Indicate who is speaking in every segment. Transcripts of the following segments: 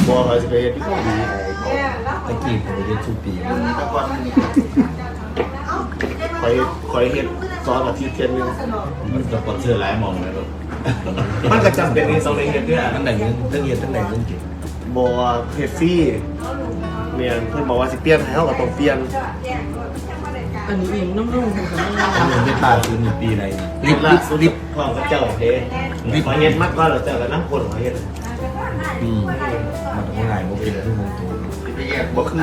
Speaker 1: บัวเขาจะไปเฮ็ดที่เกาหลี
Speaker 2: ตะกี้ผมไปเรียนทุกปี
Speaker 1: คอยเฮ็ดซอสกับทีเทียนนึง
Speaker 3: มันสปอนเซอร์หลายมองเลยแบบ
Speaker 1: มันก็จำเป็นในสองในเฮ็ดด้วย
Speaker 2: ตั้งแต่เงินตั้งเรียนตั้งแต่เงินเก็บ
Speaker 1: บัวเฮ็ดฟรีเนี่ยเพิ่นบอกว่าสิเปลี่ยนให้เฮาก็ต้องเปลี่ยน
Speaker 4: อันนี้เองนุ่มๆค่ะ
Speaker 2: เงินได้ตาซื้อหนึ่งปีอะไร
Speaker 1: ลิบลิบพร้อมกับเจ้าเด้ขอเฮ็ดมากกว่าเราเจ้าก็นำคนขอเฮ็ด
Speaker 2: มันต้องง่ายมันเป็นทุกวงตัว
Speaker 1: บ่คือ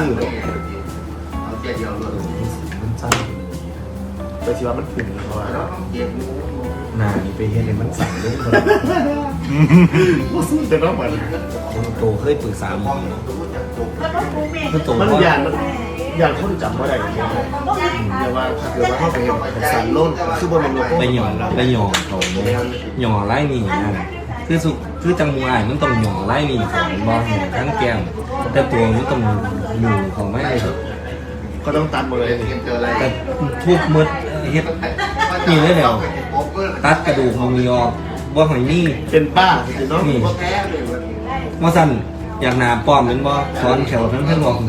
Speaker 2: มันสั้น
Speaker 1: แต่สิว่ามันพุ่งเพราะว่า
Speaker 2: หนานี่ไปเห็นเลยมันสั่นเลยคน
Speaker 1: บ่สู้แต่น้องมัน
Speaker 2: โตเคยปรึกษาหมอคือโต
Speaker 1: มันอย่างคนจำบ่ได้อย่างเงี้ยเรียกว่าถ้าเกิดว่าเฮาไปเฮ็ดสันโลนคือบ่แม่นโลโก้
Speaker 2: ไปหย่อนไปหย่อนเขาหย่อไล่นี่นั่นคือสุคือจังมวยมันต้องหย่อไล่นี่ของบอลทั้งแก้มแต่ตัวมันต้องอยู่ของไม่ได้
Speaker 1: ก็ต้องตัดหมดเลยนี่
Speaker 2: แต่ทุกมืดเฮ็ดนี่เลยแล้วตัดกระดูกมือออกบ่หอยนี่
Speaker 1: เป็นป้าสิเนาะ
Speaker 2: นี่มาสั่นอยากหนาป้อมเป็นบ่สอนแถวทั้งเพิ่นบอก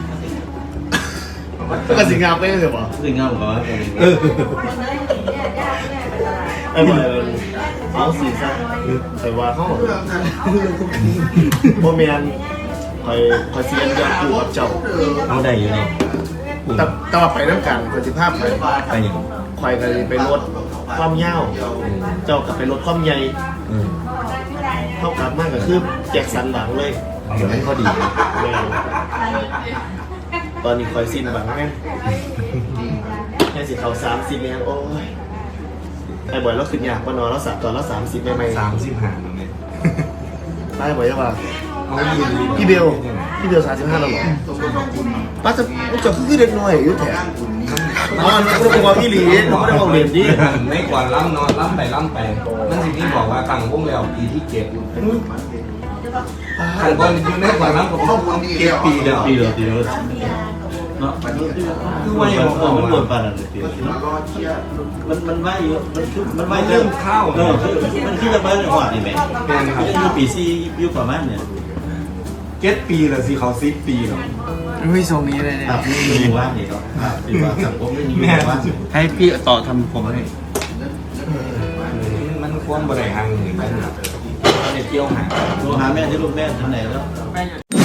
Speaker 1: ก็สิงามไปเลยบ่
Speaker 3: ซึ่งเงาก่อน
Speaker 1: ไอ้บ่เอาสิซะแต่ว่าเฮาบ่แม่นคอยเสียนยอดกูกับเจ้า
Speaker 2: เอาได้อยู่เนาะ
Speaker 1: แต่ว่าไปนำกันคนสิภาพไป
Speaker 2: ไปอย่าง
Speaker 1: คอยก็ไปลดความยาวเจ้าก็ไปลดความใหญ่ เท่ากับมากก็คือแจ็คสันหวังเลย
Speaker 2: เดี๋ยวมันพอดี
Speaker 1: แม่งตอนนี้คอยสิ้นหวังแม่งแค่สิเขา30เนี่ยโอ้ยไอ้บอยเราขึ้นยากกว่านอนเราตอนเรา30ไม่
Speaker 2: 35แล้วเนี่ย
Speaker 1: ได้บอยจะว่า
Speaker 2: เอาดี
Speaker 1: พี่เบล35แล้วหรอป้าจะคือเด็กน้อยอยู่แถมอ๋อนี่ก็บอกว่าพี่หลีเขาไม่ได้บอกเรียนดิ
Speaker 2: ไม่กว่าล้ำนอนล้ำไปล้ำไปนั่นสิที่บอกว่าตั้งวงแล้วปีที่เก็บขันบอลอยู่ในกว่าล้ำกับครอบครัวเก็บปีเดียว
Speaker 3: ปีเดียวเนาะคือว่าอย่างมันปวดปานอะไรปีมันว่าอยู่มันว่า
Speaker 2: เริ่มเข้า
Speaker 3: มันคือจะมาในหอดนี่แม่
Speaker 2: แม่นครับ
Speaker 3: อยู่ปีซี่อยู่ประมาณเนี่ย
Speaker 2: เก็บปีละสิเขา10 ปีหรอ
Speaker 4: ไม่ทรงนี้เลยเนี่ย
Speaker 3: ครับนี่มีว่างนี่ก็ครับดีว่าสังคมไม่มีว่าง
Speaker 4: ให้พี่ต่อทำผมให้
Speaker 2: มันควรบริหารเงินกันครับในเที่ยวหา
Speaker 3: โทรหาแม่ที่ลูกแม่ทำไหนแล้ว